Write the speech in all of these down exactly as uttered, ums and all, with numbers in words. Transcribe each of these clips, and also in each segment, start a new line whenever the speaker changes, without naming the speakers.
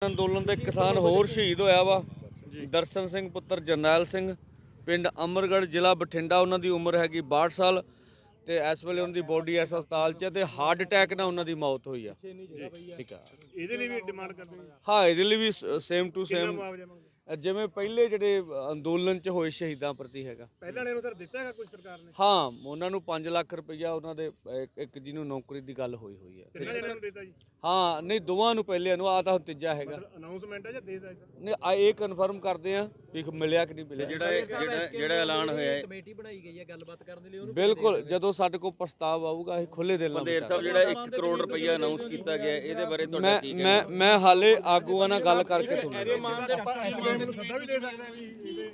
ਅੰਦੋਲਨ ਦੇ ਕਿਸਾਨ ਹੋਰ ਸ਼ਹੀਦ ਹੋਇਆ ਵਾ ਦਰਸ਼ਨ ਸਿੰਘ ਪੁੱਤਰ ਜਰਨੈਲ ਸਿੰਘ ਪਿੰਡ ਅਮਰਗੜ੍ਹ ਜ਼ਿਲ੍ਹਾ ਬਠਿੰਡਾ। ਉਹਨਾਂ ਦੀ ਉਮਰ ਹੈਗੀ ਬਾਹਠ ਸਾਲ ਤੇ ਇਸ ਵੇਲੇ ਉਹਨਾਂ ਦੀ ਬੋਡੀ ਇਸ ਹਸਪਤਾਲ 'ਚ ਤੇ ਹਾਰਟ ਅਟੈਕ ਨਾਲ ਉਹਨਾਂ ਦੀ ਮੌਤ ਹੋਈ ਆ। ਠੀਕ ਆ,
ਇਹਦੇ ਲਈ ਵੀ ਡਿਮਾਂਡ ਕਰਦੇ
ਹਾਂ ਇਹਦੇ ਲਈ ਵੀ ਸੇਮ ਟੂ ਸੇਮ ਜਿਵੇਂ ਪਹਿਲੇ ਜਿਹੜੇ ਅੰਦੋਲਨ 'ਚ ਹੋਏ ਸ਼ਹੀਦਾਂ ਪ੍ਰਤੀ ਹੈਗਾ।
ਪਹਿਲਾਂ ਵਾਲਿਆਂ ਨੂੰ ਸਰ ਦਿੱਤਾ ਹੈਗਾ ਕੁਝ ਸਰਕਾਰ ਨੇ?
ਹਾਂ ਉਹਨਾਂ ਨੂੰ ਪੰਜ ਲੱਖ ਰੁਪਈਆ ਉਹਨਾਂ ਦੇ ਇੱਕ- ਇੱਕ ਜਿਹਨੂੰ ਨੌਕਰੀ ਦੀ ਗੱਲ ਹੋਈ ਹੋਈ ਹੈ।
ਕਿੰਨਾ ਜਣਾਂ ਨੂੰ ਦਿੱਤਾ ਜੀ?
ਹਾਂ ਨਹੀਂ ਦੋਵਾਂ ਨੂੰ ਪਹਿਲੇ ਨੂੰ ਆ ਤਾਂ ਹੁਣ ਤੀਜਾ ਹੈਗਾ।
ਅਨਾਉਂਸਮੈਂਟ ਹੈ ਜਾਂ ਦੇਦਾ ਸਰ?
ਨਹੀਂ ਆ ਇਹ ਕਨਫਰਮ ਕਰਦੇ ਆ ਵੀ ਮਿਲਿਆ ਕਿ ਨਹੀਂ ਮਿਲਿਆ।
ਜਿਹੜਾ ਜਿਹੜਾ ਜਿਹੜਾ ਐਲਾਨ ਹੋਇਆ ਹੈ
ਕਮੇਟੀ ਬਣਾਈ ਗਈ ਹੈ ਗੱਲਬਾਤ ਕਰਨ ਦੇ ਲਈ, ਉਹਨੂੰ
ਬਿਲਕੁਲ ਜਦੋਂ ਸਾਡੇ ਕੋਲ ਪ੍ਰਸਤਾਵ ਆਊਗਾ ਅਸੀਂ ਖੁੱਲੇ ਦਿਲ ਨਾਲ
ਪੰਦੇਰ ਸਾਹਿਬ ਜਿਹੜਾ ਇੱਕ ਕਰੋੜ ਰੁਪਈਆ ਅਨਾਉਂਸ ਕੀਤਾ ਗਿਆ ਇਹਦੇ ਬਾਰੇ ਤੁਹਾਡਾ
ਮੈਂ
ਕੀ
ਮੈਂ ਮੈਂ ਹਾਲੇ ਆਗੂਆਂ ਨਾਲ ਗੱਲ ਕਰਕੇ ਤੁਹਾਨੂੰ
ਨੂੰ ਸੱਦਾ ਵੀ ਦੇ ਸਕਦਾ ਵੀ ਇਹਦੇ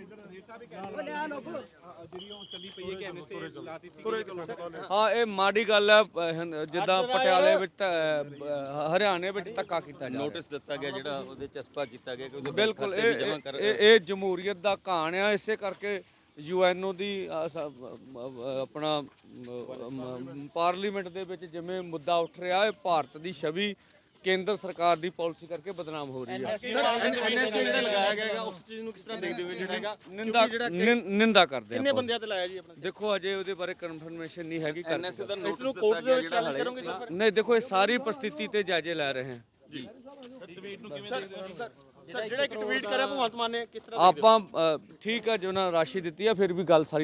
ਹਾਂ ਇਹ ਮਾੜੀ ਗੱਲ ਹੈ। ਅਹ, ਜਿੱਦਾਂ ਪਟਿਆਲੇ ਵਿੱਚ ਤਾਂ, ਅਹ, ਹਰਿਆਣੇ ਵਿੱਚ ਧੱਕਾ ਕੀਤਾ ਜਾ ਰਿਹਾ।
ਨੋਟਿਸ ਦਿੱਤਾ ਗਿਆ ਜਿਹੜਾ ਉਹਦੇ ਚਸਪਾ ਕੀਤਾ ਗਿਆ ਕਿ ਉਹਦੇ
ਬਿਲਕੁਲ
ਖਾਤੇ ਵੀ
ਇਹ
ਜਮ੍ਹਾਂ ਕਰ
ਇਹ ਇਹ ਜਮਹੂਰੀਅਤ ਦਾ ਕਹਾਣ ਆ। ਇਸੇ ਕਰਕੇ ਯੂ ਐਨ ਓ ਦੀ ਅਹ, ਸ- ਅਹ, ਆਪਣਾ ਅਹ, ਪਾਰਲੀਮੈਂਟ ਦੇ ਵਿੱਚ ਜਿਵੇਂ ਮੁੱਦਾ ਉੱਠ ਰਿਹਾ ਹੈ, ਭਾਰਤ ਦੀ ਛਵੀ ਕੇਂਦਰ ਸਰਕਾਰ ਦੀ ਪਾਲਿਸੀ ਕਰਕੇ ਬਦਨਾਮ ਹੋ ਰਹੀ ਹੈ।
ਐਨਐਸਏ ਜਿਹੜਾ ਲਗਾਇਆ ਗਿਆ ਹੈਗਾ ਉਸ ਚੀਜ਼ ਨੂੰ ਕਿਸ ਤਰ੍ਹਾਂ ਦੇਖਦੇ ਹੋ ਜਿਹੜਾ ਹੈਗਾ?
ਨਿੰਦਾ ਨਿੰ- ਨਿੰਦਾ ਕਰਦੇ
ਕਿੰਨੇ
ਆ।
ਬੰਦਿਆਂ ਤੇ ਲਾਇਆ ਜੀ ਆਪਣਾ?
ਦੇਖੋ ਅਜੇ ਉਹਦੇ ਬਾਰੇ ਕਨਫਰਮੇਸ਼ਨ ਨਹੀਂ ਹੈਗੀ ਕਰ
ਐਨਐਸਏ ਦਾ
ਇਸ
ਨੋਟਿਸ
ਨੂੰ
ਦਿੱਤਾ
ਕੋਰਟ ਦੇ
ਗਿਆ
ਵਿੱਚ
ਜਿਹੜਾ
ਚੈਲੰਜ ਕਰੋਗੇ ਸਰ?
ਨਹੀਂ ਦੇਖੋ ਇਹ ਸਾਰੀ ਪ੍ਰਸਥਿਤੀ ਤੇ ਜਾਇਜ਼ੇ ਲੈ ਰਹੇ ਹਾਂ।
ਸਰ ਜਿਹੜਾ ਇੱਕ ਟਵੀਟ ਕਰਿਆ ਭਗਵੰਤ ਮਾਨ ਨੇ, ਕਿਸ ਤਰ੍ਹਾਂ
ਆਪਾਂ ਅ, ਠੀਕ ਆ, ਜੇ ਉਹਨਾਂ ਨੇ ਰਾਸ਼ੀ ਦਿੱਤੀ ਆ ਫਿਰ ਵੀ ਗੱਲ ਸਾਰੀ